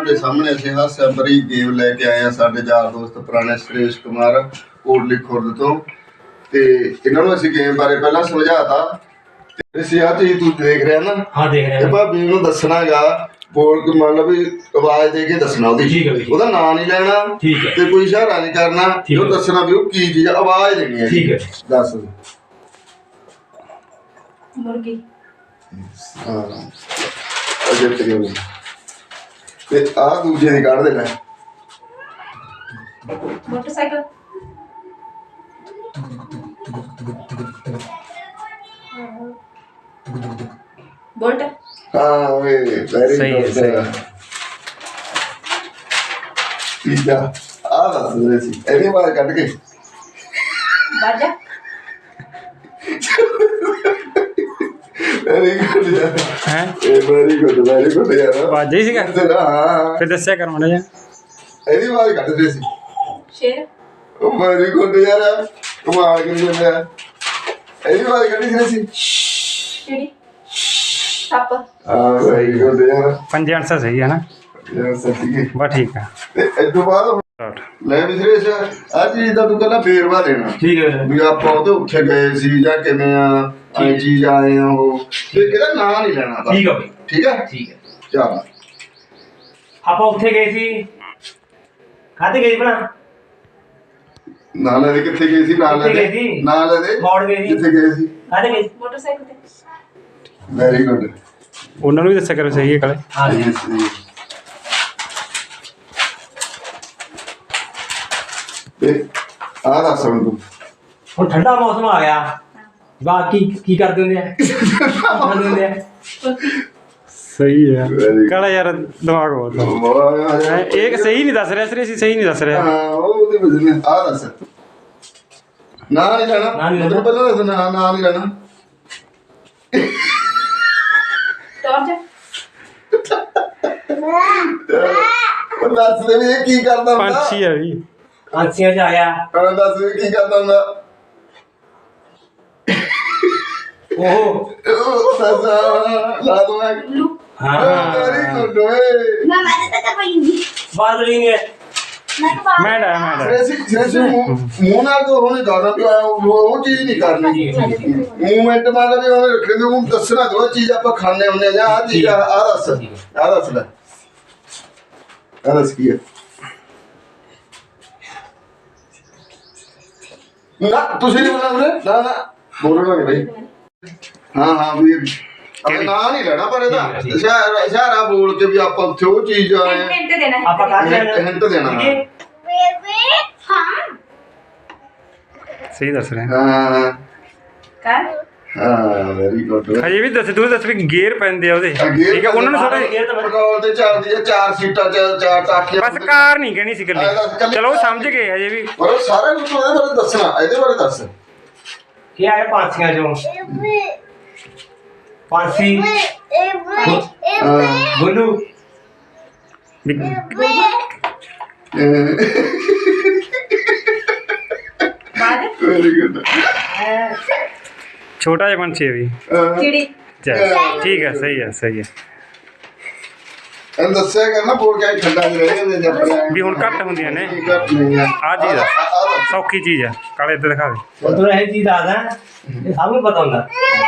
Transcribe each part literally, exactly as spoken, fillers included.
ਤੁਹਾਡੇ ਸਾਹਮਣੇ ਅਸੀਂ ਹਾਸਿਆ ਭਰੀ ਗੇਮ ਲੈ ਕੇ ਆਏ ਆ। ਸਾਡੇ ਯਾਰ ਦੋਸਤ ਪੁਰਾਣੇ ਸੁਰੇਸ਼ ਕੁਮਾਰ ਕੋਟਲੀ ਖੁਰਦ ਤੋਂ, ਤੇ ਇਹਨਾਂ ਨੂੰ ਅਸੀਂ ਗੇਮ ਬਾਰੇ ਪਹਿਲਾਂ ਸਮਝਾਤਾ। ਤੇ ਅਸੀਂ ਆਹ ਚੀਜ਼ ਤੂੰ ਦੇਖ ਰਿਹਾ ਨਾ, ਹਾਂ ਦੇਖ ਰਿਹਾ। ਤੇ ਭਾਬੀ ਨੂੰ ਦੱਸਣਾਗਾ, ਬੋਲ ਕੇ ਮੰਨ ਲਓ ਵੀ ਆਵਾਜ਼ ਦੇ ਕੇ ਦੱਸਣਾ ਉਹਦੀ, ਠੀਕ ਹੈ, ਉਹਦਾ ਨਾਂ ਨਹੀਂ ਲੈਣਾ, ਠੀਕ ਹੈ, ਤੇ ਕੋਈ ਇਸ਼ਾਰਾ ਨਹੀਂ ਕਰਨਾ, ਉਹ ਦੱਸਣਾ ਵੀ ਉਹ ਕੀ ਚੀਜ਼, ਆਵਾਜ਼ ਦੇਣੀ ਹੈ। ਠੀਕ ਹੈ, ਦੱਸ। ਮੁਰਗੀ। ਹਾਂ ਅਜੇ ਤੇਰੀ ਤੇ ਆਹ ਦੂਜੇ ਦੀ ਕੱਢ ਦੇਣਾ। ਮੋਟਰਸਾਈਕਲ। ਬੋਲਟ। ਹਾਂ ਵੇ ਵੈਰੀ ਸਹੀ ਹੈ, ਗੁੱਡ। ਸਹੀ ਹੈ। ਪੀਜ਼ਾ ਆ ਦੱਸ ਦੇ ਸੀ ਇਹਦੀ ਆਵਾਜ਼ ਕੱਢ ਕੇ। ਬਾਜਾ। ਵੈਰੀ ਗੁੱਡ ਯਾਰ, ਹੈ ਇਹ ਵੈਰੀ ਗੁੱਡ ਵੈਰੀ ਗੁੱਡ ਯਾਰ। ਵਾਜਾ ਹੀ ਸੀਗਾ। ਹਾਂ ਫਿਰ ਦੱਸਿਆ ਕਰ ਮਾੜਾ ਜਿਹਾ। ਇਹਦੀ ਆਵਾਜ਼ ਕੱਢਦੇ ਸੀ। ਸ਼ੇਰ। ਉਹ ਵੈਰੀ ਗੁੱਡ ਯਾਰ, ਕਮਾਲ ਕਰੀ ਜਾਂਦਾ। ਇਹਦੀ ਆਵਾਜ਼ ਕੱਢੀ ਸੀ। ਚਿੜੀ। ਸੱਪ। ਹਾਂ ਵੈਰੀ ਗੁੱਡ ਯਾਰ, ਪੰਜ ਆਨਸਰ ਸਹੀ ਹੈ ਨਾ। ਯਾਰ ਸੱਚੀ ਹੈ। ਬਸ ਠੀਕ ਆ। ਤੇ ਇਸ ਤੋਂ ਬਾਅਦ ਲੈ ਵਿਸ਼ੇਸ਼ ਆ ਚੀਜ਼ ਦਾ ਤੂੰ ਕਹਿੰਦਾ ਵੇਰਵਾ ਦੇਣਾ। ਠੀਕ ਹੈ ਵੀ ਆਪਾਂ ਉਹਦੇ ਉੱਥੇ ਗਏ ਸੀ ਜਾਂ ਕਿਵੇਂ ਆ, ਐ ਚੀਜ਼ ਆਏ ਆ ਉਹ, ਤੇ ਇਹਦਾ ਨਾਂ ਨਹੀਂ ਲੈਣਾ ਬਸ। ਠੀਕ ਹੈ ਬਈ, ਠੀਕ ਹੈ ਠੀਕ ਹੈ। ਚੱਲ ਆਪਾਂ ਉੱਥੇ ਗਏ ਸੀ, ਖਾਤੇ ਗਏ ਬਣਾ ਨਾਂ ਲੈ ਦੇ। ਕਿੱਥੇ ਗਏ ਸੀ? ਨਾਂ ਲੈ ਕਿੱਥੇ ਗਏ ਦੇ, ਸੀ? ਨਾਂ ਲੈ ਦੇ। ਮੌੜ ਗਏ ਸੀ। ਕਿੱਥੇ ਗਏ ਸੀ? ਖਾਤੇ ਗਏ ਸੀ। ਮੋਟਰਸਾਈਕਲ ਤੇ। Very good. ਉਹਨਾਂ ਨੂੰ ਵੀ ਦੱਸਿਆ ਕਰੋ ਸਹੀ ਹੈ ਕਾਲੇ। ਹਾਂ ਤੇ ਆਹ ਦੱਸ ਹੁਣ ਤੂੰ। ਹੁਣ ਠੰਡਾ ਮੌਸਮ ਆ ਗਿਆ, ਬਾਕੀ ਕੀ ਕਰਦੇ ਹੁੰਦੇ ਆ? ਕਰਦੇ ਹੁੰਦੇ ਆ ਸਹੀ ਹੈ Very ਕਾਲਾ ਯਾਰ, ਦਿਮਾਗ ਬਹੁਤ ਆ। ਵਾਹ ਹੈਂ, ਇਹ ਸਹੀ ਨਹੀਂ ਦੱਸ ਰਿਹਾ ਸਰੇ, ਅਸੀਂ ਸਹੀ ਨਹੀਂ ਦੱਸ ਰਿਹਾ। ਹਾਂ ਉਹ ਉਹਦੀ ਵਜ੍ਹਾ ਨਾਲ ਆਹ ਦੱਸ। ਨਾਂ ਨਹੀਂ ਲੈਣਾ। ਨਾਂ ਨਹੀਂ ਲੈਣਾ। ਮਤਲਬ ਪਹਿਲਾਂ ਦੱਸ ਨਾਂ ਨਾਂ ਨਹੀਂ ਲੈਣਾ। ਟਾਰਚ। ਉਹ ਦੱਸ ਦੇ ਵੀ ਇਹ ਕੀ ਕਰਦਾ ਹੁੰਦਾ। ਪੰਛੀ ਆ ਵੀ। ਪੰਛੀਆਂ ਚ ਆਇਆ ਹਾਂ ਦੱਸ ਵੀ ਕੀ ਕਰਦਾ ਹੁੰਦਾ। ਉਹ। ਉਹ ਦੱਸ ਲਾ ਦੂੰ ਮੈਂ। ਉੱਲੂ। ਹਾਂ ਵੈਰੀ ਗੁੱਡ ਓਏ। ਮੈਂ ਮੈਂ ਤਾਂ ਕਰ ਪਾਈਂਗੀ। ਬਾਦਲ ਨੇ ਮੈਂ ਤਾਂ ਮੈਂ ਡਾ ਮੈਂ ਡਾ ਸ੍ਰੇਸ਼ੀ ਸ੍ਰੇਸ਼ੀ ਮੂੰਹ ਨਾਲ ਤੋਂ ਉਹਨੇ ਗਾਣਾ ਵੀ ਆਇਆ, ਉਹ ਉਹ ਚੀਜ਼ ਨਹੀਂ ਕਰਨੀ। ਮੂਵਮੈਂਟ ਮਾਰਦਾ ਵੀ ਉਹਨੇ ਰੱਖਣੀ, ਤੇ ਉਹਨੂੰ ਦੱਸਣਾ ਦੋ ਚੀਜ਼ ਆਪਾਂ ਖਾਣੇ ਹੁੰਦੇ ਆ ਜਾਂ ਆਹ ਚੀਜ਼ ਆ ਆਹ ਦੱਸ ਆਹ ਦੱਸ ਲੈ ਆਹ ਦੱਸ ਕੀ ਹੈ। ਨਾ ਤੁਸੀਂ ਨਹੀਂ ਬੋਲਣਾ ਨਾ ਨਾ ਬੋਲਣਾ ਨਹੀਂ ਬਈ। ਹਾਂ ਹਾਂ ਵੀ ਕਿਹੜੀ? ਨਾਂ ਨਹੀਂ ਲੈਣਾ ਪਰ ਇਹਦਾ ਇਸ਼ਾਰਾ ਇਸ਼ਾਰਾ ਬੋਲ ਕੇ ਵੀ ਆਪਾਂ ਉੱਥੇ ਉਹ ਚੀਜ਼ ਆਏ ਹਿੰਟ ਦੇਣਾ ਹੈ। ਆਪਾਂ ਕਰ ਲੈਣਾ। ਹਿੰਟ ਦੇਣਾ। ਬੇਬੇ ਹਾਂ ਸਹੀ ਦੱਸ ਰਿਹਾ। ਹਾਂ ਕਰ। ਹਾਂ ਵੈਰੀ ਗੁੱਡ। ਹਜੇ ਵੀ ਦੱਸ, ਤੂੰ ਦੱਸ ਵੀ ਗੇਅਰ ਪੈਂਦੇ ਆ ਉਹਦੇ। ਠੀਕ ਹੈ, ਉਹਨਾਂ ਨੂੰ ਥੋੜਾ ਪੈਟਰੋਲ ਤੇ ਚੱਲਦੀ ਹੈ, ਚਾਰ ਸੀਟਾਂ ਚ ਚਾਰ ਟਾਕੀਆਂ। ਬਸ ਕਾਰ ਨਹੀਂ ਕਹਿਣੀ ਸੀ ਇਕੱਲੀ। ਚਲੋ ਉਹ ਸਮਝ ਗਏ ਹਜੇ ਵੀ। ਪਰ ਉਹ ਸਾਰਾ ਕੁਝ ਉਹਦੇ ਬਾਰੇ ਦੱਸਣਾ, ਇਹਦੇ ਬਾਰੇ ਦੱਸ। ਕੀ ਆਇਆ ਪੰਛੀਆਂ ਚੋਂ? ਪੰਛੀ ਬੋਲੂ ਵੀ ਬਾਜ। Very good. ਛੋਟਾ ਜਿਹਾ ਪੰਛੀ ਹੈ ਵੀ। ਚਿੜੀ। ਚੱਲ ਠੀਕ ਹੈ, ਸਹੀ ਹੈ ਸਹੀ ਹੈ। ਇਹਨੂੰ ਦੱਸਿਆ ਕਰਨਾ ਬੋਲ ਕੇ ਠੰਡਾ ਚ ਰਹਿ ਜਾਂਦੇ ਜੇ ਆਪਣੇ ਵੀ ਹੁਣ ਘੱਟ ਹੁੰਦੀਆਂ ਨੇ। ਘੱਟ ਨਹੀਂ ਆ। ਆਹ ਚੀਜ਼ ਆ, ਆਹ ਦੱਸ। ਸੌਖੀ ਚੀਜ਼ ਆ। ਕਾਲੇ ਇੱਧਰ ਦਿਖਾ ਦੇ। ਉਧਰ ਇਹ ਚੀਜ਼ ਆਦਾ, ਇਹ ਸਭ ਨੂੰ ਪਤਾ ਹੁੰਦਾ।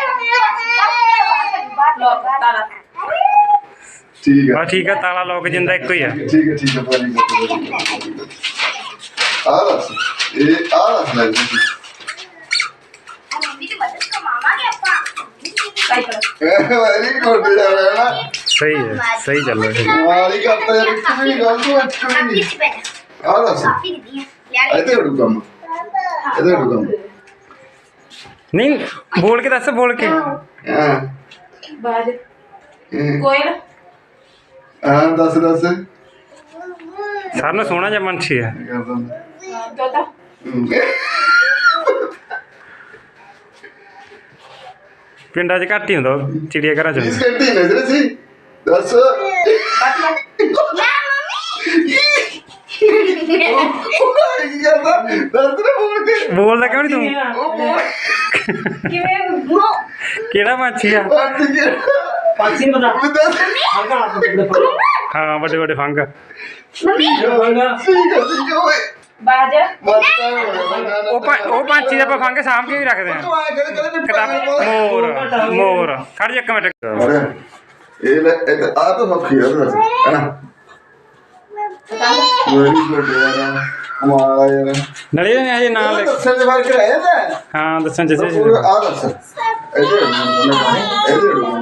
ਲੋਕ ਤਾਲਾ। ਠੀਕ ਹੈ ਬਸ ਠੀਕ ਹੈ, ਤਾਲਾ ਲੋਕ ਜਿੰਦਾ ਇੱਕੋ ਹੀ ਆ। ਠੀਕ ਹੈ ਠੀਕ ਹੈ ਵੈਰੀ ਗੁੱਡ। ਆਹ ਦੱਸ ਇਹ ਆਹ ਦੱਸ ਲੈ ਜੀ। ਸਾਈਕਲ। ਵੈਰੀ ਗੁੱਡ ਯਾਰ ਹੈ ਨਾ। ਸਹੀ ਹੈ, ਸਹੀ ਚੱਲ ਰਿਹਾ ਹੈ। ਮਾਰੀ ਕਰਤਾ ਯਾਰ, ਇੱਕ ਵੀ ਨਹੀਂ ਗੱਲ ਤੂੰ ਇੱਕ ਵੀ ਨਹੀਂ। ਆਹ ਦੱਸ ਇਹਦੇ ਉਡੂ ਕੰਮ, ਇਹਦੇ ਉਡੂ ਕੰਮ। ਨਹੀਂ ਬੋਲ ਕੇ ਦੱਸ, ਬੋਲ ਕੇ। ਹਾਂ ਬਾਜ। ਕੋਇਲ। ਹਾਂ ਦੱਸ ਦੱਸ। ਸਾਰਿਆਂ ਨੂੰ ਸੋਹਣਾ ਜਿਹਾ ਪੰਛੀ ਆ। ਕੀ ਕਰਦਾ ਹੁੰਦਾ? ਤੋਤਾ। ਹੂੰ। ਪਿੰਡਾਂ 'ਚ ਘੱਟ ਹੀ ਹੁੰਦਾ, ਉਹ ਚਿੜੀਆ ਘਰਾਂ 'ਚ ਇਸ ਹੁੰਦਾ। ਘੰਟੇ ਨਜ਼ਰ ਸੀ ਦੱਸ। ਬਾਤਲਾ। ਉਹ ਕੀ ਕਰਦਾ ਦੱਸ ਨਾ ਬੋਲ ਕੇ। ਬੋਲਦਾ ਕਿਉਂ ਨਹੀਂ ਤੂੰ? ਉਹ ਬੋਲ ਕਿਵੇਂ? ਕਿਹੜਾ ਪੰਛੀ ਆ? ਬੰਦ ਕੇ ਪੰਛੀ ਪਤਾ ਦੱਸ। ਹਲਕਾ ਹੱਥ ਦੇ ਹਾਂ ਵੱਡੇ ਵੱਡੇ ਫੰਗ ਮੰਮੀ ਠੀਕ ਹੈ ਠੀਕ ਹੈ ਓਏ ਬਾਜ ਬਸ ਤਾਂ ਹੋ ਗਿਆ ਨਾ ਨਾ ਉਹ ਪੰ- ਉਹ ਪੰਛੀ ਦੇ ਆਪਾਂ ਫੰਗ ਸਾਂਭ ਕੇ ਵੀ ਰੱਖਦੇ ਆ ਤੂੰ ਆਏ ਕਦੇ ਕਦੇ ਵੀ ਕਿਤਾਬ ਮੋਰ ਮੋਰ ਖੜ ਜਾ ਇੱਕ ਮਿੰਟ ਇਹ ਲੈ ਇਹ ਆ ਤਾਂ ਸੌਖੀ ਆ ਬਸ ਹੈਨਾ ਵੈਰੀ ਗੁੱਡ ਯਾਰ ਕਮਾਲ ਆ ਯਾਰ ਨਲੇ ਹਜੇ ਨਾਂ ਲਿਖ ਦੱਸਣ ਦੇ ਫਰਕ ਰਹਿ ਜਾਂਦਾ ਹਾਂ ਦੱਸਣ ਚ ਆ ਦੱਸ ਇਹਦੇ ਇਹਦੇ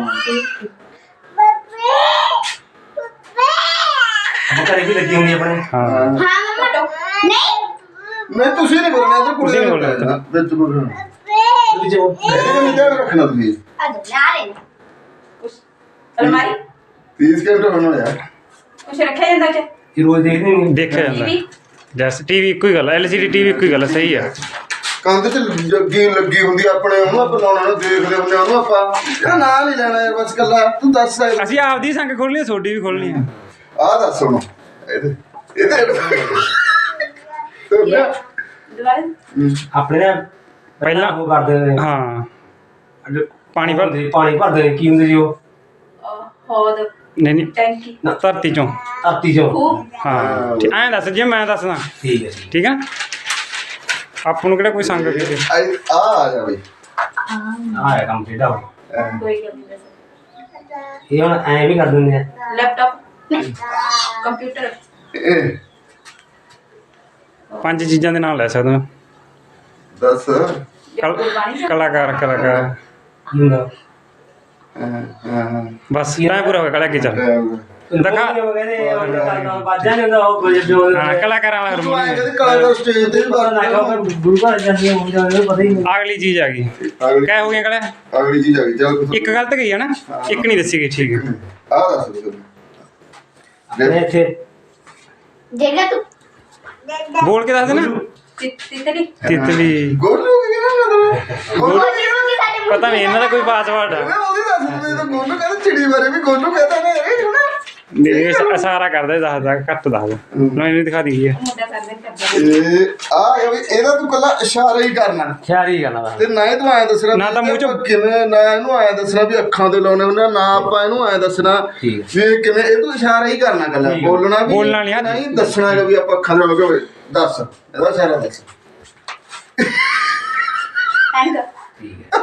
ਘਰੇ ਵੀ ਲੱਗੀ ਹੁੰਦੀ ਆਪਣੇ ਹਾਂ ਹਾਂ ਮਮਾ ਨਹੀਂ ਨਹੀਂ ਤੁਸੀਂ ਨਹੀਂ ਬੋਲਣਾ ਇਧਰ ਕੁੜੀ ਤੁਸੀਂ ਨੇ ਨੀ ਬੋਲਣਾ ਬੋਲਣਾ। ਵਿੱਚ ਬੋਲਣਾ ਵਿੱਚ ਉਹ ਇਹਦੇ ਨਹੀਂ ਧਿਆਨ ਰੱਖਣਾ ਤੁਸੀਂ ਆ ਜਾ ਲੈ ਲੈਣਾ ਕੁਛ ਅਲਮਾਰੀ तीस ਘੰਟੇ ਹੋਣ ਵਾਲੇ ਆ ਕੁਛ ਰੱਖਿਆ ਜਾਂਦਾ ਚ ਕਿ ਰੋਜ਼ ਦੇਖਦੇ ਨਹੀਂ ਦੇਖਿਆ ਜਾਂਦਾ ਟੀਵੀ ਜੈਸ ਟੀਵੀ ਇੱਕੋ ਹੀ ਗੱਲ ਐਲ ਸੀ ਡੀ ਟੀਵੀ ਇੱਕੋ ਹੀ ਗੱਲ ਆ, ਸਹੀ ਆ ਕੰਧ ਚ ਲੱਗੀ ਲੱਗੀ ਹੁੰਦੀ ਆ ਆਪਣੇ ਉਹਨੂੰ ਆਪਾਂ ਲਾਉਣਾ ਨੂੰ ਦੇਖਦੇ ਹੁੰਦੇ ਆ ਉਹਨੂੰ ਆਪਾਂ ਇਹਦਾ ਨਾਂ ਨਹੀਂ ਲੈਣਾ ਯਾਰ ਬਸ ਕੱਲਾ ਤੂੰ ਦੱਸ ਅਸੀਂ ਆਪਦੀ ਸੰਗ ਖੋਲਣੀ ਆ ਤੁਹਾਡੀ ਵੀ ਖੋਲਣੀ ਆ ਆ ਦੱਸ ਹੁਣ ਇਹਦੇ ਇਹਦੇ ਦੁਬਾਰਾ ਆਪਣੇ ਨਾ ਪਹਿਲਾਂ ਉਹ ਕਰਦੇ ਨੇ ਹਾਂ ਪਾਣੀ ਭਰ ਭਰਦੇ ਪਾਣੀ ਭਰਦੇ ਨੇ ਕੀ ਹੁੰਦੇ ਜੀ ਉਹ ਅਹ, ਹੋਦ ਨਹੀਂ ਨਹੀਂ ਟੈਂਕੀ ਧਰਤੀ ਚੋਂ ਧਰਤੀ ਚੋਂ ਖੂਹ ਹਾਂ ਤੇ ਐਂ ਦੱਸ ਜੇ ਮੈਂ ਦੱਸਦਾ ਠੀਕ ਹੈ ਜੀ ਠੀਕ ਆ ਆਪਾਂ ਨੂੰ ਕਿਹੜਾ ਕੋਈ ਸੰਗ ਕਿਤੇ ਆ ਆ ਜਾ ਬਈ ਆਇਆ ਕੰਮ ਜਿਹੜਾ ਕੋਈ ਗੱਲ ਨਹੀਂ ਦੱਸ ਇਹ ਹੁਣ ਐਂ ਵੀ ਕਰ ਦਿੰਦੇ ਆ ਲੈਪਟਾਪ ਕੰਪਿਊਟਰ ਇਹ ਪੰਜ ਚੀਜ਼ਾਂ ਦੇ ਨਾਮ ਲੈ ਸਕਦਾ ਦੱਸ ਕਲ- ਗੁਰਬਾਣੀ ਸਾਹਿਬ। ਕਲਾਕਾਰ ਕਲਾਕਾਰ ਕੀ ਹੁੰਦਾ ਹਾਂ ਹਾਂ ਬਸ ਤਾਂ ਪੂਰਾ ਹੋ ਗਿਆ ਕਲਾ ਕੀ ਚੱਲ ਦਿਖਾ। ਕਹਿੰਦੇ ਉਹਨੇ ਕਰਦਾ ਬਾਜਾ ਨਹੀਂ ਹੁੰਦਾ ਉਹ ਕੋਈ ਜੋ ਹਾਂ ਕਲਾਕਾਰਾਂ ਵਾਲਾ ਤੂੰ ਆਏ ਹਾਰਮੋਨੀਅਮ ਕਦੇ ਕਲਾਕਾਰ ਸਟੇਜ ਤੇ ਵੀ ਪਤਾ ਨਾ ਬਾਤ ਕਿ ਗੁਰੂ ਘਰ ਜਾਂਦੀ ਹੋ ਜਾਂਦੇ ਪਤਾ ਹੀ ਨਹੀਂ ਅਗਲੀ ਚੀਜ਼ ਆ ਗਈ ਅਗਲੀ ਕਹਿ ਹੋ ਗਈਆਂ ਕਲਾ ਅਗਲੀ ਚੀਜ਼ ਆ ਗਈ ਚੱਲ ਇੱਕ ਗਲਤ ਗਈ ਹੈ ਨਾ ਇੱਕ ਨਹੀਂ ਦੱਸੀ ਗਈ ਠੀਕ ਹੈ ਆ ਦੱਸ ਤੂੰ ਆਪਣੇ ਇੱਥੇ ਜੇਗਾ ਤੂੰ ਬੋਲ ਕੇ ਦੱਸ ਦੇ ਨਾ ਤਿੱਤਲੀ ਤਿਤਲੀ ਗੋਲੂ ਕੀ ਕਹਿੰਦਾ ਤੂੰ ਗੋਲੂ ਬੋਲੀ ਹੋਗੀ ਸਾਡੇ ਪਤਾ ਨਹੀਂ ਇਹਨਾਂ ਦਾ ਕੋਈ ਪਾਸਵਰਡ ਆ ਮੈਂ ਉਹਦੀ ਦੱਸ ਦਿੰਦੇ ਤਾਂ ਗੋਲੂ ਕਹਿੰਦਾ ਚਿੜੀ ਬਾਰੇ ਵੀ ਗੋਲੂ ਕਹਿੰਦਾ ਨੇ ਇਹ ਹੁਣ ਨਹੀਂ ਇਸ਼ਾਰਾ ਕਰਦਾ ਦੱਸਦਾ ਘੱਟ ਦੱਸਦਾ ਨਾ ਇਹਨੂੰ ਦਿਖਾ ਦਈਏ ਮੁੰਡਾ ਕਰਦੇ ਕਰਦਾ ਇਹ ਆ ਇਹ ਵੀ ਇਹਦਾ ਤੂੰ ਕੱਲਾ ਇਸ਼ਾਰਾ ਹੀ ਕਰਨਾ ਖਿਆਰੀ ਗੱਲ ਆ ਤੇ ਨਾ ਹੀ ਤੂੰ ਆਇਆ ਦੱਸਣਾ ਨਾ ਤਾਂ ਮੂੰਹ ਚੋਂ- ਵੀ ਕਿਵੇਂ ਨਾ ਇਹਨੂੰ ਆਇਆ ਦੱਸਣਾ ਵੀ ਅੱਖਾਂ ਤੇ ਲਾਉਣੇ ਹੁੰਦੇ ਆ, ਨਾ ਆਪਾਂ ਇਹਨੂੰ ਆਇਆ ਦੱਸਣਾ ਠੀਕ ਹੈ। ਵੀ ਇਹ ਕਿਵੇਂ ਇਹ ਤੂੰ ਇਸ਼ਾਰਾ ਹੀ ਕਰਨਾ ਕੱਲਾ ਠੀਕ ਹੈ। ਬੋਲਣਾ ਵੀ ਬੋਲਣਾ ਨਹੀਂ, ਹੱਥ- ਨਹੀਂ ਦੱਸਣਾ ਹੈਗਾ ਵੀ ਆਪਾਂ ਅੱਖਾਂ ਤੇ ਲਾਉਣੇ ਹੋਵੇ ਦੱਸ ਇਹਦਾ ਇਸ਼ਾਰਾ ਦੱਸ ਐਂਡ ਠੀਕ ਹੈ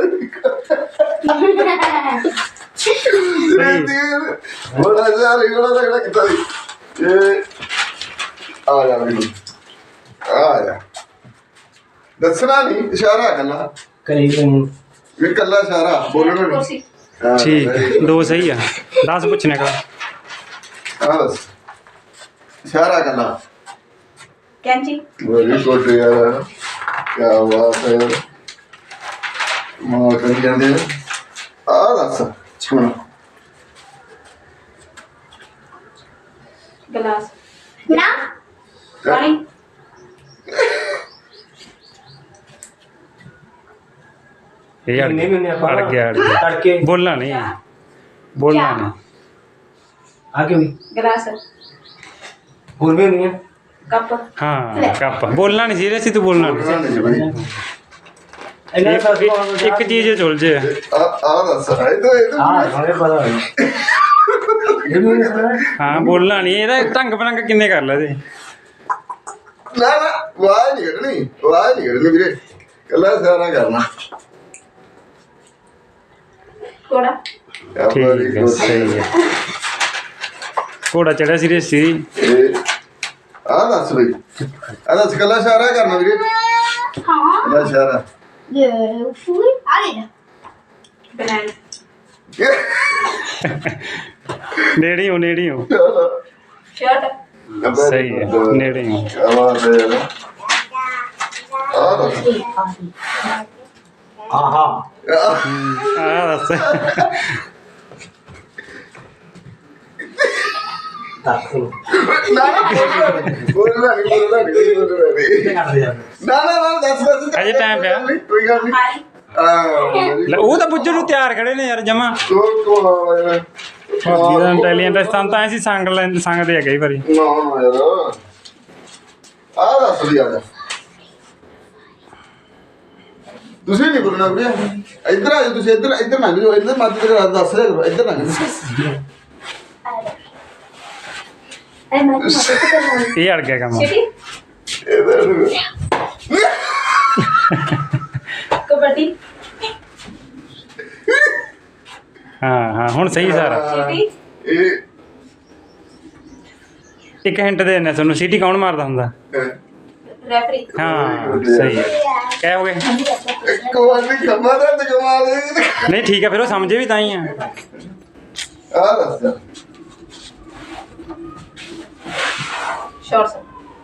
ਬੜਾ ਯਾਰ ਇਹ ਬੜਾ ਤਗੜਾ ਕੀਤਾ ਸੀ ਇਹ ਆ ਜਾ ਮੈਨੂੰ ਆ ਜਾ ਦੱਸਣਾ ਨਹੀਂ ਇਸ਼ਾਰਾ ਕੱਲਾ ਕਰੀ ਤੈਨੂੰ ਇਹ ਕੱਲਾ ਇਸ਼ਾਰਾ ਬੋਲਣਾ ਨਹੀਂ ਕੁਰਸੀ ਹਾਂ, ਠੀਕ very ਹੈ good। ਦੋ ਸਹੀ ਆ ਦਸ ਪੁੱਛਣੇ ਕਾ ਆ ਬਸ ਇਸ਼ਾਰਾ ਕੱਲਾ ਕੈਂਚੀ ਵੈਰੀ ਗੁੱਡ ਯਾਰ ਕੀ ਬਾਤ ਹੈ ਮਾਂ ਕਰੀ ਜਾਂਦੇ ਆ ਦੱਸ ਹੁਣ ਗਲਾਸ ਨਾ ਪਾਣੀ ਇਹ ਅੜ ਨਹੀਂ ਮੈਨੇ ਗਿਆ ਆਪਾਂ ਅੜ ਗਿਆ ਅੜ ਗਿਆ ਤੜਕੇ ਬੋਲਣਾ ਨਹੀਂ ਬੋਲਣਾ ਨਹੀਂ ਆ ਕੇ ਵੀ ਗਲਾਸ ਹੋਰ ਵੀ ਹੁੰਦੀਆਂ ਕੱਪ ਹਾਂ ਕੱਪ ਬੋਲਣਾ ਨਹੀਂ ਸੀਰੀਅਸ ਤੂੰ ਬੋਲਣਾ ਨਹੀਂ ਇਹਨਾਂ ਦਾ ਇੱਕ- ਇੱਕ ਚੀਜ਼ ਚੁਲ ਜੇ ਆ ਆ ਦੱਸ ਇਹ ਤਾਂ ਇਹ ਹਾਂ ਤਾਂ ਹਣੇ ਪਤਾ ਹੈ ਇਹ ਵੀ ਨਹੀਂ ਪਤਾ ਹਾਂ ਬੋਲਣਾ ਨਹੀਂ ਇਹਦਾ ਢੰਗ ਬਰੰਗ ਕਿੰਨੇ ਕਰ ਲੈ ਤੇ ਨਾ ਨਾ ਵਾਹ ਨਹੀਂ ਕੱਢਣੀ ਵਾਹ ਨਹੀਂ ਕੱਢਣੀ ਵੀਰੇ ਕੱਲਾ ਇਸ਼ਾਰਾ ਕਰਨਾ ਕੋੜਾ ਠੀਕ ਹੈ ਸਹੀ ਹੈ ਘੋੜਾ ਚੜਿਆ ਸੀਰੀਅਸ ਸੀ ਇਹ ਆ ਦੱਸ ਬਈ ਆ ਦੱਸ ਕੱਲਾ ਇਸ਼ਾਰਾ ਕਰਨਾ ਵੀਰੇ ਹਾਂ ਕੱਲਾ ਇਸ਼ਾਰਾ ਇਹ ਫੂਲ ਆ ਗਿਆ ਬਨਾਨਾ ਨੇੜੇ ਹੋ ਨੇੜੇ ਹੋ ਸ਼ਰਟ ਸਹੀ ਹੈ ਨੇੜੇ ਹੋ ਕੀ ਬਾਤ ਹੈ ਯਾਰ ਆ ਦੱਸ ਆਹਾ ਆ ਦੱਸ ਦੱਸ ਨਾ ਨਾ ਬੋਲਣਾ ਨਹੀਂ ਬੋਲਣਾ ਨਹੀਂ ਬੋਲਣਾ ਨਹੀਂ ਕਿੱਥੇ ਕਰਦੇ ਯਾਰ ਨਾ ਨਾ ਨਾ ਦੱਸ ਦੱਸ ਅਜੇ time ਪਿਆ। ਕੋਈ ਗੱਲ ਨਹੀਂ ਹਾਰੀ ਆ ਲੈ, ਉਹ ਤਾਂ ਬੁੱਝਣ ਨੂੰ ਤਿਆਰ ਖੜੇ ਨੇ ਯਾਰ ਜਮਾ ਕੋਲ ਕੋਲ ਆ ਯਾਰ ਜਿਹਦਾ ਇੰਟੈਲੀਜੈਂਟ ਸਤਾਂ ਤਾਂ ਐਸੀ ਸੰਗ ਲੈਂਦੇ ਸੰਗਦੇ ਆ ਕਈ ਵਾਰੀ ਨਾ ਨਾ ਯਾਰ ਆ ਦੱਸ ਵੀ ਆ ਜਾ ਤੁਸੀਂ ਨਹੀਂ ਬੋਲਣਾ ਵੀਰੇ ਇੱਧਰ ਆ ਜਾਓ ਤੁਸੀਂ ਇੱਧਰ ਇੱਧਰ ਨਾ ਜਾਓ ਇੱਧਰ ਮੱਧ ਤੇ ਦੱਸ ਰਿਹਾ ਕਰੋ ਇੱਧਰ ਨਾ ਜਾਓ ਇਹ ਅੜ ਗਿਆ ਕੰਮ ਸਿਟੀ ਕਬੱਡੀ ਹਾਂ ਹਾਂ ਹੁਣ ਸਹੀ ਸਾਰਾ ਸਿਟੀ ਇਹ ਇੱਕ ਹਿੰਟ ਦੇ ਦਿੰਦੇ ਤੁਹਾਨੂੰ ਸੀਟੀ ਕੌਣ ਮਾਰਦਾ ਹੁੰਦਾ ਰੈਫਰੀ ਹਾਂ ਸਹੀ ਹੈ ਕਹਿ ਹੋ ਗਏ ਇੱਕ ਵਾਰ ਵੀ ਖੰਮਾ ਦਾ ਤੇ ਕਮਾਲ ਇਹ ਨਹੀਂ ਠੀਕ ਹੈ ਫਿਰ ਉਹ ਸਮਝੇ ਵੀ ਤਾਂ ਹੀ ਆ ਆ ਦੱਸ ਸ਼ਾਰਟਸ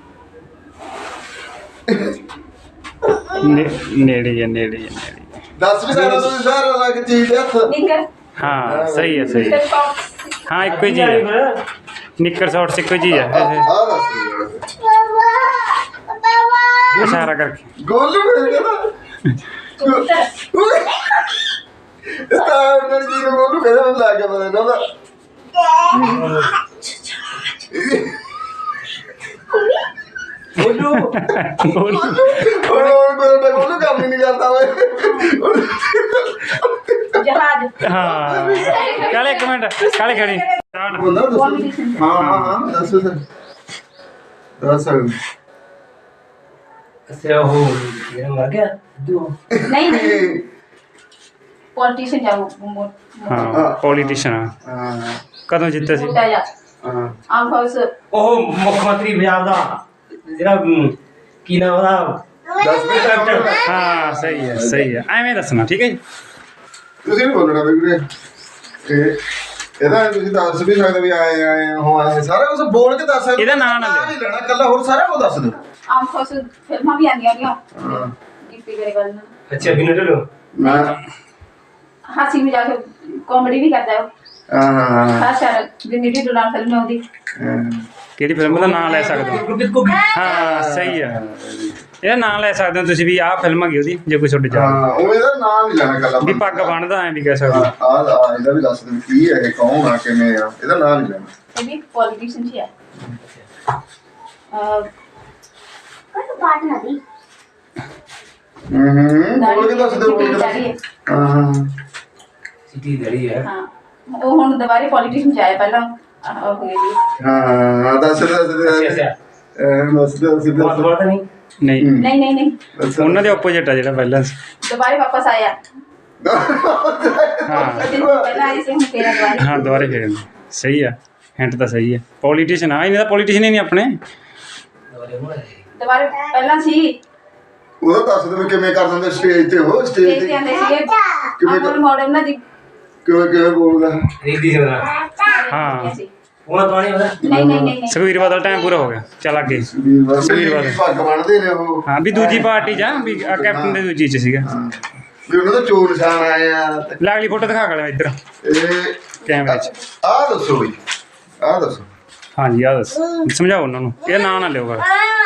ਨੇ- ਨੇੜੇ ਹੀ ਆ, ਨੇੜੇ ਹੀ ਆ, ਨੇੜੇ ਹੀ ਆ। ਦੱਸ ਵੀ ਸਾਰਾ ਤੁਸੀਂ ਸਾਰਾ ਲੱਗ ਚੀਜ਼ ਹੱਥ ਨਿੱਕਰ ਹਾਂ ਸਹੀ ਹੈ ਸਹੀ ਹੈ ਨਿੱਕਰ ਸ਼ਾਰਟਸ ਹਾਂ ਇੱਕੋ ਹੀ ਚੀਜ਼ ਹੈ ਨਿੱਕਰ ਸ਼ਾਰਟਸ ਇੱਕੋ ਹੀ ਚੀਜ਼ ਹੈ ਆ ਦੱਸ ਇਸ਼ਾਰਾ ਕਰਕੇ ਗੋਲੂ ਮੇਰੇ ਕਹਿੰਦਾ ਕਬੂਤਰ ਇਹ ਤਾਂ ਉਹਨਾਂ ਜੀ ਨੂੰ ਗੋਲੂ ਕਹਿੰਦਾ ਮੈਨੂੰ ਲੱਗ ਗਿਆ ਪਤਾ ਨਾ ਬੋਲੂ ਬੋਲ ਉਹ ਕੋਈ ਗੋਲੂ ਕੰਮ ਹੀ ਨਹੀਂ ਕਰਦਾ ਓਏ ਜਹਾਜ਼ ਹਾਂ ਕਾਲੇ ਇੱਕ ਮਿੰਟ ਕਾਲੇ ਖੜੀ Start। ਬੰਦਾ ਦੱਸ ਹਾਂ ਹਾਂ ਹਾਂ ਦੱਸ ਦੱਸ ਦੱਸ ਅੱਛਾ ਉਹ ਮੇਰਾ ਮਰ ਗਿਆ ਦੋ ਨਹੀਂ ਨਹੀਂ ਪੋਲੀਟੀਸ਼ੀਅਨ ਜਾਓ ਮੋ ਹਾਂ ਪੋਲੀਟੀਸ਼ੀਅਨ ਹਾਂ ਕਦੋਂ ਜਿੱਤੇ ਸੀ ਮੋਟਾ ਜਾ ਹਾਂ ਆਮ ਹਾਊਸ ਉਹ ਮੁੱਖ ਮੰਤਰੀ ਪੰਜਾਬ ਦਾ ਜਿਹੜਾ ਅਮ, ਕੀ ਨਾਮ ਉਹਦਾ ਦੱਸ ਵੀ ਕੈਪਟਨ ਹਾਂ ਸਹੀ ਹੈ ਸਹੀ ਹੈ ਐਵੇਂ ਦੱਸਣਾ ਠੀਕ ਹੈ ਜੀ ਤੁਸੀਂ ਨਹੀਂ ਬੋਲਣਾ ਬਈ ਵੀਰੇ ਇਹ ਇਹਦਾ ਤੁਸੀਂ ਦੱਸ ਵੀ ਸਕਦੇ ਵੀ ਆਏ ਆਏ ਹੋ ਆਏ ਸਾਰਾ ਕੁਝ ਬੋਲ ਕੇ ਦੱਸ ਸਕਦੇ ਇਹਦਾ ਨਾਂ ਨਾ ਲਿਓ। ਨਹੀਂ ਲੈਣਾ ਕੱਲਾ ਹੋਰ ਸਾਰਾ ਕੁਝ ਦੱਸ ਦਿਓ ਆਮ ਹਾਊਸ ਫਿਲਮਾਂ ਵੀ ਆਉਂਦੀਆਂ ਨੇ ਹਾਂ ਗਿੱਪੀ ਗਰੇਵਾਲ ਨਾਲ ਅੱਛਾ ਬਿਨਾਂ ਢਿੱਲੋਂ ਮੈਂ ਹਾਸੀ ਮਜ਼ਾਕ ਕਾਮੇਡੀ ਵੀ ਕਰਦਾ ਹੈ ਹਾਂ ਹਾਂ ਖਾਸ ਕਰ ਜਿੰਨੀ ਵੀ ਦੁਲਾਨ ਫਿਲਮ ਹੈ ਉਹਦੀ ਹਾਂ ਕਿਹੜੀ ਫਿਲਮ ਦਾ ਨਾਮ ਲੈ ਸਕਦੇ ਹੋ ਗੁਰਪ੍ਰੀਤ ਕੋ ਹਾਂ ਸਹੀ ਹੈ ਇਹਦਾ ਨਾਮ ਲੈ ਸਕਦੇ ਹੋ ਤੁਸੀਂ ਵੀ ਆਹ ਫਿਲਮ ਹੈਗੀ ਉਹਦੀ ਜੇ ਕੋਈ ਛੋਟੀ ਜਾ ਹਾਂ ਉਹ ਇਹਦਾ ਨਾਮ ਨਹੀਂ ਲੈਣਾ ਕੱਲਾ ਵੀ ਪੱਗ ਬੰਨਦਾ ਐਂ ਵੀ ਕਹਿ ਸਕਦੇ ਆ ਹੋ। ਆ ਇਹਦਾ ਵੀ ਦੱਸ ਦਿਓ ਕੀ ਹੈ ਇਹ ਕੌਣ ਆ ਕਿਵੇਂ ਆ ਇਹਦਾ ਨਾਮ ਨਹੀਂ ਲੈਣਾ ਇਹ ਵੀ ਪੋਲੀਟੀਸ਼ੀਅਨ ਹੀ ਹੈ ਅਹ ਹੂੰ ਹੂੰ ਬੋਲ ਕੇ ਦੱਸ ਦਿਓ ਬੋਲ ਕੇ ਦਾੜੀ ਹੈ। ਦੱਸ ਹਾਂ ਹਾਂ ਸਿੱਟੀ ਦੜੀ ਹੈ ਹਾਂ ਉਹ ਹੁਣ ਦੁਬਾਰੇ ਪੋਲੀਟੀਸ਼ੀਅਨ ਚ ਆਇਆ ਪਹਿਲਾਂ ਆਹ ਹੋ ਗਈ ਜੀ ਹਾਂ ਦੱਸ ਦੱਸ ਅੱਛਾ ਅੱਛਾ ਦੱਸ ਦੱਸ ਦੱਸ ਬਹੁਤ ਬੜਾ ਨਹੀਂ ਨਹੀਂ ਨਹੀਂ ਨਹੀਂ ਨਹੀਂ ਦੱਸ ਉਹਨਾਂ ਦੇ ਆਪੋਜੀਟ ਆ ਜਿਹੜਾ ਪਹਿਲਾਂ ਸੀ ਦੁਬਾਰੇ ਵਾਪਸ ਆਇਆ ਹਾਂ ਦਿਨ ਪਹਿਲਾਂ ਆਈ ਸੀ ਹੁਣ ਤੇਰਾ ਦੁਬਾਰੇ ਹਾਂ ਦੁਬਾਰੇ ਫੇਰ ਸਹੀ ਆ ਹਿੰਟ ਤਾਂ ਸਹੀ ਹੈ ਪੋਲੀਟੀਸ਼ੀਅਨ ਆ ਇਹਨੇ ਤਾਂ ਪੋਲੀਟੀਸ਼ੀਅਨ ਹੀ ਨਹੀਂ ਆਪਣੇ ਦੁਬਾਰੇ ਪਹਿਲਾਂ ਸੀ ਉਹਦਾ ਦੱਸ ਦਿਓ ਕਿਵੇਂ ਕਰ ਦਿੰਦੇ ਸਟੇਜ ਤੇ ਉਹ ਸਟੇਜ ਤੇ ਤੇ ਤੇ ਆਂਦੇ ਸੀਗੇ ਕਿਵੇਂ ਅਮਰ ਮਾਡਲ ਨਾ ਜੀ ਕਿਵੇਂ ਕਿਵੇਂ ਬੋਲਦਾ ਰੀਤੀ ਸਮਝਦਾ ਹਾਂ। ਉਹ ਤਾਂ ਨਹੀਂ ਉਹਦਾ ਨਹੀਂ ਨਹੀਂ ਨਹੀਂ ਨਹੀਂ ਸੁਖਵੀਰ ਬਾਦਲ ਟਾਈਮ ਪੂਰਾ ਹੋ ਗਿਆ ਚੱਲ ਅੱਗੇ ਵੀਰ ਸੁਖਬੀਰ ਬਾਦਲ। ਪੱਗ ਬਣਦੇ ਨੇ ਉਹ ਹਾਂ ਵੀ ਦੂਜੀ ਪਾਰਟੀ ਜਾਂ ਵੀ ਆਹ ਕੈਪਟਨ ਦੇ ਦੂਜੀ ਚ ਸੀਗਾ ਹਾਂ। ਵੀ ਉਹਨਾਂ ਦਾ ਚੋਰ ਨਿਸ਼ਾਨ ਆਇਆ ਤੇ ਲਾਗਲੀ ਫੋਟੋ ਦਿਖਾ ਕਰ ਇੱਧਰ ਇਹ ਕੈਮਰੇ 'ਚ ਆ ਦੱਸੋ ਬਈ ਆ ਦੱਸੋ ਹਾਂਜੀ ਆ ਦੱਸ ਸਮਝਾਓ ਉਹਨਾਂ ਨੂੰ ਇਹ ਨਾਂ ਨਾ ਲਿਓ ਗਾ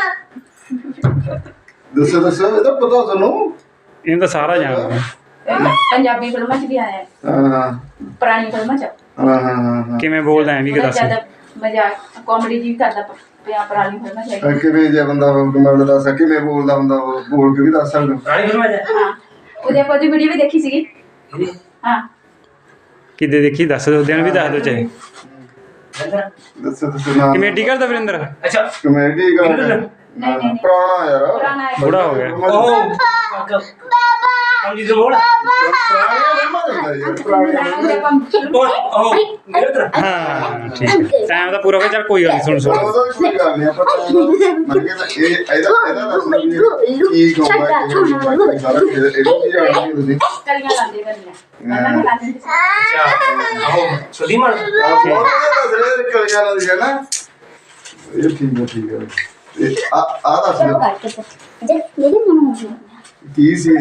ਦੱਸੋ ਦੱਸੋ ਇਹਦਾ ਪਤਾ ਤੁਹਾਨੂੰ ਇਹਨੂੰ ਤਾਂ ਸਾਰਾ ਜਾਣਦੇ ਆ। ਪੰਜਾਬੀ ਫਿਲਮਾਂ ਚ ਵੀ ਆਇਆ ਹੈ, ਹਾਂ ਹਾਂ ਪੁਰਾਣੀ ਫਿਲਮਾਂ ਚ ਹਾਂ ਹਾਂ ਹਾਂ ਕਿਵੇਂ ਬੋਲਦਾ ਐ ਵੀ ਕਿ ਬੜਾ ਦੱਸ ਜ਼ਿਆਦਾ ਮਜ਼ਾਕ ਕਾਮੇਡੀ ਜੀ ਵੀ ਕਰਦਾ ਪਿਆ ਪੁਰਾਣੀ ਫਿਲਮਾਂ ਚ ਹਾਂ। ਕਿਵੇਂ ਜੇ ਬੰਦਾ ਮਤਲਬ ਦੱਸ ਕਿਵੇਂ ਬੋਲਦਾ ਹੁੰਦਾ ਉਹ ਬੋਲ ਕੇ ਵੀ ਦੱਸ ਸਕਦਾ ਪੁਰਾਣੀ ਫਿਲਮ ਹੈ ਹਾਂ ਉਹਦੇ ਆਪਾਂ ਦੀ ਵੀਡੀਓ ਵੀ ਦੇਖੀ ਸੀਗੀ ਇਹਦੀ ਹਾਂ ਕਿਤੇ ਦੇਖੀ ਦੱਸ ਦੋ ਦਿਨ ਵੀ ਦੱਸ ਦੋ ਚਾਹੇ ਦੱਸੋ ਦੱਸੋ ਨਾ ਕਮੇਟੀ ਕਰਦਾ ਵਰਿੰਦਰ ਅੱਛਾ ਕਮੇਡੀ ਕਰ ਨਹੀਂ ਨਹੀਂ ਨਹੀਂ ਪੁਰਾਣਾ ਯਾਰ ਪੁਰਾਣਾ ਹੈ ਬੁੜਾ ਹੋ ਗਿਆ ਉਹ ਅੰਜੀ ਦੇ ਮੋੜ ਪੁਰਾਣੀਆਂ ਫਿਲਮਾਂ ਦੇਖਦਾ ਯਾਰ ਪੁਰਾਣੀਆਂ ਉਹਦੇ ਆਪਾਂ ਫਿਲਮ- ਉਹ ਉਹ ਮੇਰੇ ਉਧਰ ਹਾਂ ਠੀਕ ਹੈ ਟਾਈਮ ਤਾਂ ਪੂਰਾ ਹੋ ਗਿਆ ਚੱਲ ਕੋਈ ਗੱਲ ਨਹੀਂ ਸੁਣ ਸੁਣ ਉਹਦਾ ਵੀ ਕੋਈ ਗੱਲ ਨਹੀਂ ਆਪਾਂ ਮੈਂ ਕਹਿੰਦਾ ਇਹ ਇਹਦਾ ਇਹਦਾ ਦੱਸ ਦਿਓ ਵੀ ਕੀ ਕਹੂੰਗਾ ਕਿ ਸਾਰਾ ਇਹ ਇਹ ਕੀ ਜਾਣਦੇ ਤੁਸੀਂ ਕਲੀਆਂ ਲਾਉਂਦੇ ਕਰਨੀਆਂ ਪਹਿਲਾਂ ਮੈਂ ਲਾਉਂਦੀ ਸੀ ਅੱਛਾ ਉਹ ਸੁਦੀ ਮੜ ਆਪ ਬਹੁਤ ਵਧੀਆ ਦੱਸ ਰਹੇ ਨੇ ਕਲੀਆਂ ਨਾਲ ਦੀ ਹੈ ਨਾ ਇਹ ਠੀਕ ਹੈ ਠੀਕ ਹੈ ਇਹ ਆ ਆ ਦੱਸ ਦਿਓ ਕੀ ਸੀ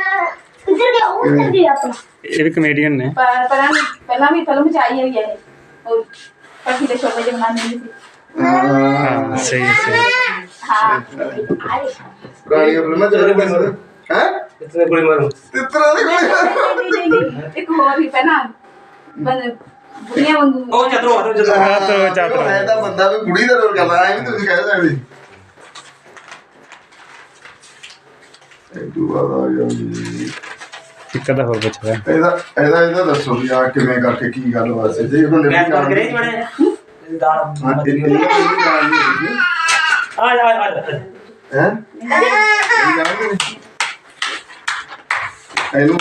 ਇਹ ਵੀ ਕਮੇਡੀਅਨ ਨੇ ਪਰ ਪਹਿਲਾਂ ਪਹਿਲਾਂ ਵੀ ਫਿਲਮ ਚ ਆਈ ਹੋਈ ਹੈ ਇਹ। ਉਹ ਪੱਖੀ ਦੇ ਸ਼ੋਭੇ ਜਿਹੇ ਬਣਾਉਂਦੇ ਹੁੰਦੇ ਸੀ ਹਾਂ ਸਹੀ ਹੈ, ਸਹੀ ਹੈ। ਹਾਂ ਪੁਰਾਣੀਆਂ ਫਿਲਮਾਂ ਚੱਲ ਰਹੀਆਂ ਨੇ ਹੈ ਕਿਤਨੇ ਗੋਲੀ ਮਾਰੂ ਤਿੱਤਰਾਂ ਦੀ ਕੋਈ ਨਹੀਂ, ਨਹੀਂ, ਨਹੀਂ। ਇੱਕ ਹੋਰ ਵੀ ਪਹਿਲਾਂ ਬੰਦ ਬੁੜੀਆਂ ਵਾਂਗੂ ਉਹ ਚਤਰੋ ਹਟੋ ਚਤਰੋ ਚਾਤਰੋ ਚਾਤਰੋ ਮੈਂ ਤਾਂ ਬੰਦਾ ਵੀ ਬੁੜੀ ਦਾ ਰੋਲ ਕਰਦਾ ਐ ਵੀ ਤੁਸੀਂ ਕਹਿ ਸਕਦੇ ਇਹ ਦੁਬਾਰਾ ਆ ਗਿਆ ਜੀ ਇੱਕ ਦਾ ਹੋਰ ਪੁੱਛਦਾ ਇਹਦਾ ਇਹਦਾ ਇਹਦਾ ਦੱਸੋ ਵੀ ਆ ਕਿਵੇਂ ਕਰਕੇ ਕੀ ਗੱਲ ਵਾਸਤੇ ਜੇ ਬੰਦੇ ਗੈਸ ਬੰਦ ਕਰੇ ਬਣੇ ਦਾਲ ਹਾਂ ਮੱਚ ਇਹ ਗਈ ਇਹ ਜਾਣ ਨਹੀਂ ਆ ਜਾ ਆ ਜਾ ਹੈ ਇਹਨੂੰ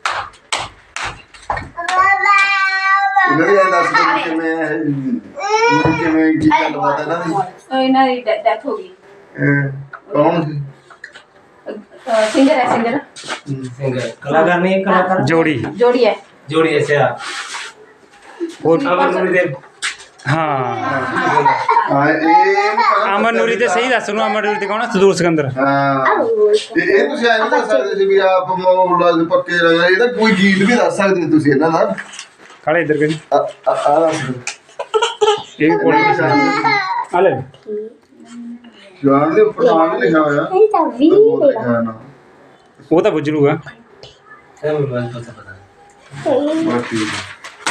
ਇਹਨਾਂ ਦੀ ਇਹ ਦੱਸ ਦੇ ਕਿਵੇਂ ਇਹ ਕਿਵੇਂ ਕੀ ਗੱਲਬਾਤ ਹੈ ਇਹਨਾਂ ਦੀ ਉਹ ਇਹਨਾਂ ਦੀ ਡੈਥ ਹੋ ਗਈ ਇਹ ਕੌਣ ਸੀ ਸਿੰਗਰ ਹੈ ਸਿੰਗਰ ਸਿੰਗਰ ਕਲਾਕਾਰ ਨਹੀਂ ਕਲਾਕਾਰ ਜੋੜੀ ਜੋੜੀ ਹੈ ਜੋੜੀ ਐਸੇ ਆ ਹੋਰ ਅਮਰ ਨੂਰੀ ਦੇ ਹਾਂ ਹਾਂ ਇਹ ਅਮਰ ਨੂਰੀ ਤੇ ਸਹੀ ਦੱਸ ਨੂੰ ਅਮਰ ਨੂਰੀ ਤੇ ਕੌਣ ਆ? ਸਦੂਰ ਸਿਕੰਦਰ ਹਾਂ ਇਹ ਇਹ ਤੁਸੀਂ ਐਂ ਨੀ ਦੱਸ ਸਕਦੇ ਸੀ ਵੀ ਆਪ ਮੌਲਾ ਦੇ ਪੱਕੇ ਰੰਗ ਇਹਦਾ ਕੋਈ ਗੀਤ ਵੀ ਦੱਸ ਸਕਦੇ ਹੋ ਤੁਸੀਂ ਇਹਨਾਂ ਦਾ ਕਾਲੇ ਇੱਧਰ ਕਰੀ ਆ ਆ ਆ ਦੱਸ ਇਹ ਵੀ ਕੋਲ ਆ ਲੈ ਜਾਨ ਦੇ ਉੱਪਰ ਨਾਮ ਵੀ ਲਿਖਿਆ ਹੋਇਆ ਇਹ ਤਾਂ ਵੀ ਮੇਰਾ ਹਾਂ ਨਾ ਉਹ ਤਾਂ ਗੁਜਰੂਗਾ ਇਹ ਮੈਨੂੰ ਬੰਦ ਪਤਾ ਬਸ ਠੀਕ ਹੈ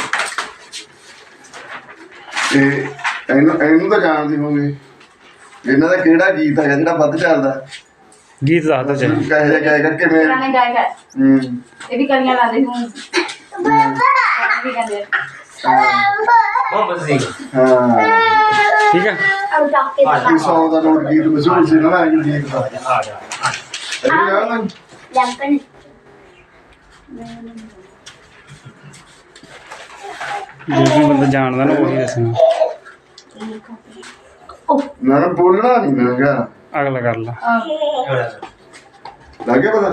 ਇਹ ਇਹਨੂੰ ਇਹਨੂੰ ਤਾਂ ਜਾਣਦੇ ਹੋਗੇ ਇਹਨਾਂ ਦਾ ਕਿਹੜਾ ਗੀਤ ਹੈ ਜਿਹੜਾ ਵੱਧ ਚੱਲਦਾ ਗੀਤ ਦੱਸਦਾ ਚਾਹੀ ਕਹੇ ਜਾ ਕਹਿ ਕਰਕੇ ਮੈਂ ਪੁਰਾਣੇ ਗਾਇਕ ਹੈ ਹੂੰ ਇਹ ਵੀ ਕਲੀਆਂ ਲਾਉਂਦੇ ਸੀ ਹੁਣ ਵੀ ਕਹਿੰਦੇ ਮੁਹੰਮਦ ਸਿੰਘ ਹਾਂ ਠੀਕ ਆ ਅਬ ਤੱਕ ਕੇ ਆ ਜਾ ਇਹ ਸੌ ਦਾ ਨੋਟ ਗੀਤ ਮਸ਼ਹੂਰ ਸੀ ਨਾ ਇਹ ਗੀਤ ਦਾ ਆ ਜਾ ਆ ਜਾ। ਇਹ ਯਾਰ ਨਾ ਲੰਪਨ ਜਿਹੜਾ ਬੰਦਾ ਜਾਣਦਾ ਨਾ ਉਹੀ ਦੱਸਣਾ ਨਾ ਨਾ ਬੋਲਣਾ ਨਹੀਂ ਮੈਂ ਕਿਹਾ ਅਗਲਾ ਕਰ ਲਾ ਐਵੜਾ ਲੱਗੇ ਪਤਾ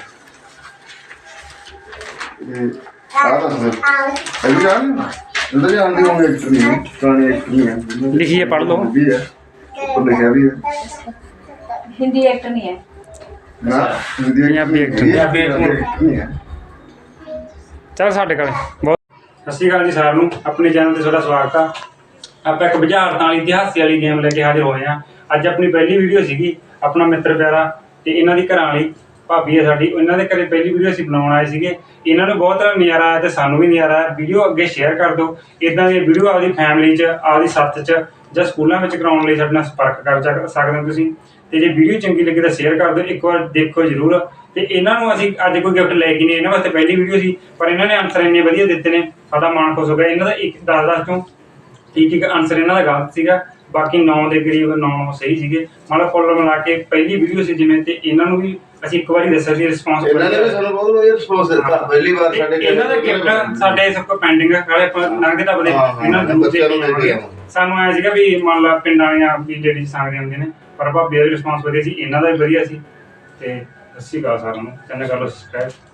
ਇਹ ਆ ਦੱਸ ਦੇ ਇਹ ਜਾਣ ਇਹਦਾ ਜਾਣਦੇ ਹੋਣਗੇ ਐਕਟਰ ਨਹੀਂ ਹੈ, ਪੁਰਾਣੇ ਐਕਟਰ ਨਹੀਂ ਹੈ ਲਿਖੀਏ, ਪੜ੍ਹ ਲਓ। ਵੀ ਹੈ ਉੱਪਰ ਲਿਖਿਆ ਵੀ ਹੈ ਹਿੰਦੀ ਐਕਟਰ ਨਹੀਂ ਹੈ ਨਾ ਹਿੰਦੀ ਪੰਜਾਬੀ actor। ਪੰਜਾਬੀ actor। ਨਹੀਂ ਹੈ ਚੱਲ ਸਾਡੇ ਕੋਲੇ ਬਹੁਤ ਸਤਿ ਸ਼੍ਰੀ ਅਕਾਲ ਜੀ ਸਾਰਿਆਂ ਨੂੰ ਆਪਣੇ ਚੈਨਲ ਤੇ ਤੁਹਾਡਾ ਸਵਾਗਤ ਆ ਆਪਾਂ ਇੱਕ ਬੁਝਾਰਤਾਂ ਵਾਲੀ ਤੇ ਹਾਸੇ ਵਾਲੀ ਗੇਮ ਲੈ ਕੇ ਹਾਜ਼ਰ ਹੋਏ ਆ ਅੱਜ ਆਪਣੀ ਪਹਿਲੀ ਵੀਡੀਓ ਸੀਗੀ ਆਪਣਾ ਮਿੱਤਰ ਪਿਆਰਾ ਤੇ ਇਹਨਾਂ ਦੀ ਘਰਾਂ ਵਾਲੀ ਭਾਬੀ ਹੈ ਸਾਡੀ ਇਹਨਾਂ ਦੇ ਘਰੇ ਪਹਿਲੀ ਵੀਡੀਓ ਅਸੀਂ ਬਣਾਉਣ ਆਏ ਸੀਗੇ ਇਹਨਾਂ ਨੂੰ ਬਹੁਤ ਨਜ਼ਾਰਾ ਆਇਆ ਤੇ ਸਾਨੂੰ ਵੀ ਨਜ਼ਾਰਾ ਆਇਆ ਵੀਡੀਓ ਅੱਗੇ ਸ਼ੇਅਰ ਕਰ ਦਿਓ ਇਦਾਂ ਦੀ ਵੀਡੀਓ ਆਪਦੀ ਫੈਮਿਲੀ 'ਚ ਆਪਦੀ ਸੱਥ 'ਚ ਜਾਂ ਸਕੂਲਾਂ ਵਿੱਚ ਕਰਾਉਣ ਲਈ ਸਾਡੇ ਨਾਲ ਸੰਪਰਕ ਕਰ ਸਕ- ਸਕਦੇ ਹੋ ਤੁਸੀਂ ਤੇ ਜੇ ਵੀਡੀਓ ਚੰਗੀ ਲੱਗੇ ਤਾਂ ਸ਼ੇਅਰ ਕਰ ਦਿਓ ਇੱਕ ਵਾਰ ਦੇਖੋ ਜ਼ਰੂਰ ਤੇ ਇਹਨਾਂ ਨੂੰ ਅਸੀਂ ਅੱਜ ਕੋਈ ਗਿਫਟ ਲੈ ਕੇ ਨਹੀਂ ਇਹਨਾਂ ਵਾਸਤੇ ਪਹਿਲੀ ਵੀਡੀਓ ਸੀ ਪਰ ਇਹਨਾਂ ਨੇ ਆਨਸਰ ਇੰਨੇ ਵਧੀਆ ਦਿੱਤੇ ਨੇ ਸਾਡਾ ਮਨ ਖੁਸ਼ ਹੋ ਗਿਆ ਇਹਨਾਂ ਦਾ ਇੱਕ ਦਸ ਦਸ ਚੋਂ ਠੀਕ ਇੱਕ ਆਨਸਰ ਇਹਨਾਂ ਦਾ ਗਲਤ ਸੀਗਾ ਬਾਕੀ ਨੌ ਦੇ ਕਰੀਬ ਨੌ ਸਹੀ ਸੀਗੇ ਮਤਲਬ ਕੁੱਲ ਮਿਲਾ ਕੇ ਪਹਿਲੀ ਵੀਡੀਓ ਸੀ ਜਿਵੇਂ ਤੇ ਇਹਨਾਂ ਨੂੰ ਵੀ ਅਸੀਂ ਇੱਕ ਵਾਰੀ ਦੱਸਿਆ ਸੀ ਰਿਸਪੌਂਸ ਇਹਨਾਂ ਨੇ ਵੀ ਸਾਨੂੰ ਬਹੁਤ ਵਧੀਆ ਰਿਸਪੌਂਸ ਦਿੱਤਾ ਪਹਿਲੀ ਵਾਰ ਸਾਡੇ ਘਰੇ ਇਹਨਾਂ ਦਾ ਗਿਫਟ ਸਾਡੇ ਸਭ ਤੋਂ ਪੈਂਡਿੰਗ ਹੈ ਨਾਲੇ ਆਪਾਂ ਲੰਘਦੇ ਤਾਂ ਬਦੇ ਹਾਂ, ਹਾਂ, ਇਹਨਾਂ ਨੂੰ ਬੱਚਿਆਂ ਨੂੰ ਦੇ ਕੇ ਆਵਾਂਗੇ। ਸਾਨੂੰ ਆਇਆ ਸੀਗਾ ਵੀ ਮੰਨ ਲਾ ਪਿੰਡਾਂ ਵਾਲੀਆਂ ਵੀ ਲੇਡੀਜ਼ ਸੰਗਦੇ ਹੁੰਦੇ ਨੇ ਪਰ ਭਾਬੀ ਦਾ ਰਿਸਪੌਂਸ ਵਧੀਆ ਸੀ ਇਹਨਾਂ ਦਾ ਵੀ ਵਧੀਆ ਸੀ ਤੇ ਸੱਚੀ ਗੱਲ ਸਾਰਿਆਂ ਨੂੰ ਚੈਨਲ ਕਰ ਲਓ ਸਬਸਕ੍ਰਾਈਬ